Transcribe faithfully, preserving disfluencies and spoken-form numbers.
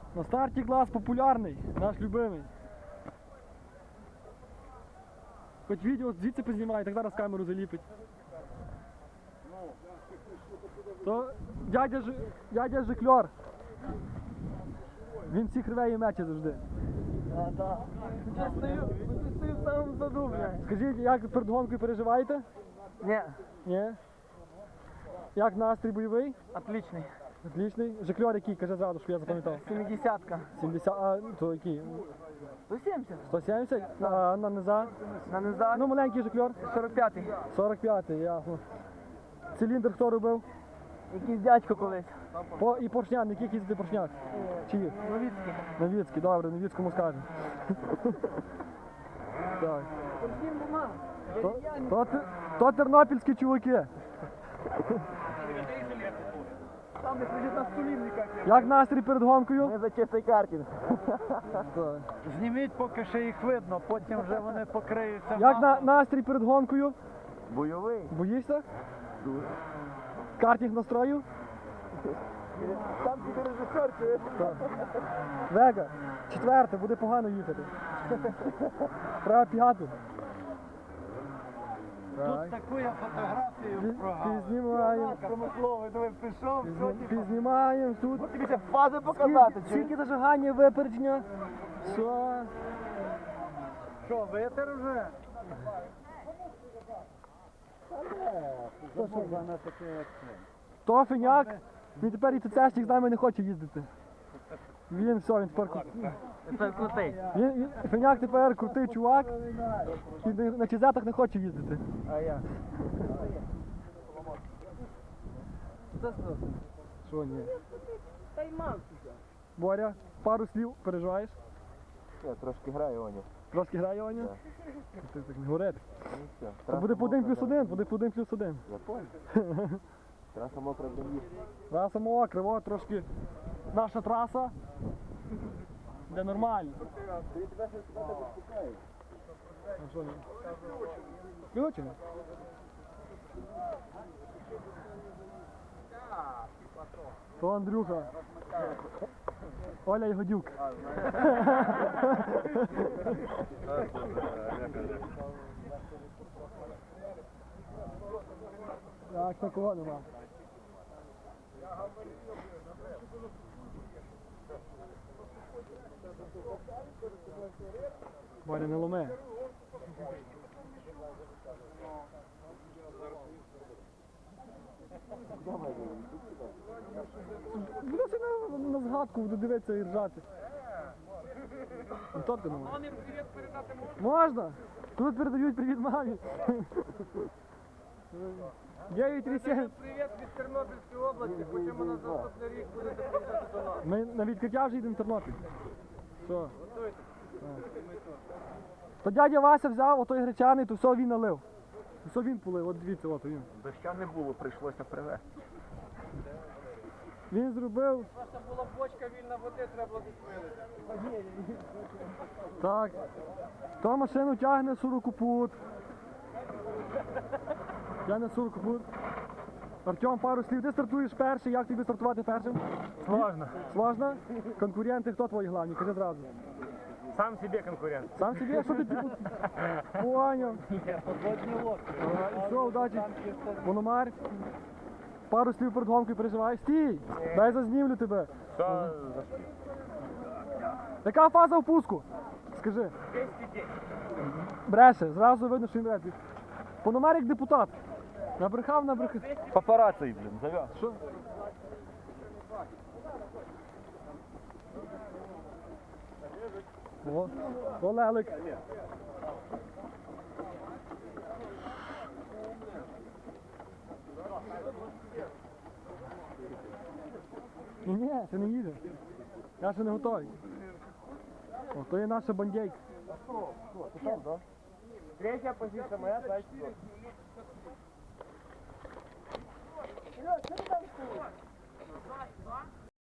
На старті клас популярний, наш любимий. Хоч відео звідси познімає, так зараз камеру заліпить. То дядя, Ж... дядя Жикльор. Він всіх рве і мече завжди. А, так. Я стою, я стою в самому заду, блядь. Скажіть, як перед гонкою переживаєте? Ні. Ні? Як настрій бойовий? Отличний. Отличний. Жикльор який? Кажи зразу, що я запам'ятав. Сімдесятка. сімдесят, а то який? сто сімдесят. сто сімдесят? А на низа? На низах. Ну маленький Жикльор. сорок п'ятий. сорок п'ятий, ясно. Циліндр хто робив? Якийсь дядько колись. По, і поршня, на яких їздити поршнях? Чиї? Новіцький. Новіцький, добре, Новіцькому скажемо. Так. То, то, те- то тернопільські чуваки. Там не сидить на столі ніяк. Як настрій перед гонкою? Ми за чистий картинг. Так. Зніміть, поки ще їх видно, потім вже вони покриються. Як на, настрій перед гонкою? Бойовий. Боїшся? Картинг настрою? Там тільки режисер, чуєш? Вега, четверте, буде погано їхати. Треба п'яту. Тут таку я фотографію Пі- прогав. Пізнімаємо. Промисловий, диви, пішов, все, Пізні- типу. Пізнімаємо тут. Тобі ще фази показати, Скільки, чи? скільки зажигання, випередження. Все. Що, витер вже? То, що вона То фіняк, він тепер і ТЦшник з нами не хоче їздити. Він все, він тепер кру- Це крутий. він, він, фіняк тепер крутий чувак і на- на чизетах не хоче їздити. А я. Що ні? Та й мав. Боря, пару слів переживаєш? Я трошки граю, Оня. Трошки грає Ваня? Ти так не говорити. Ну все. То буде по один плюс один, буде по один плюс один. Я понял. Траса мокра для їх. Траса мокра, о, трошки наша траса. Де нормально. А що ні? Включено? То Андрюха. Оля Ягодюк. Так, такого нема. Боря, не ломи. Буде на, на згадку, буду дивитися і ржати. Антон, ти не можеш? Вони привіт передати можна? Можна? Тут передають привіт мамі. дев'ять три сім. Привіт від Тернопільської області, хочемо на наступний рік будете приїжджати до нас. Ми на відкриття вже їдемо в Тернопіль. Що? То дядя Вася взяв, отой гречаний, то все він налив. Все він полив, от дивіться, от він. Доща не було, прийшлося привезти. Він зробив. Просто була бочка вільна води, треба було відпилити. Так. То машину тягне сорокопут. Тягне сорокопут. Артем, пару слів. Ти стартуєш перший, як тобі стартувати першим? Сложно. Сложно? Конкуренти хто твої главні? Кажи зразу. Сам себе конкурент. Сам собі, а що ти типу? Поняв. Подводні лодки. Ага, і все, удачі. Мономар. Пару слів перед гонкою переживаєш. Стій! Дай зазнімлю тебе. Що? Яка фаза впуску? Скажи. Бреше, зразу видно, що він бреше. Пономар як депутат. Набрехав, набрехав. Папарацци, блін, зав'яз. Що? О, о, лелик. Ні, ні, це не їде. Я ще не готовий. О, то є наша бандейка. Третя позиція моя, так. Раз, два.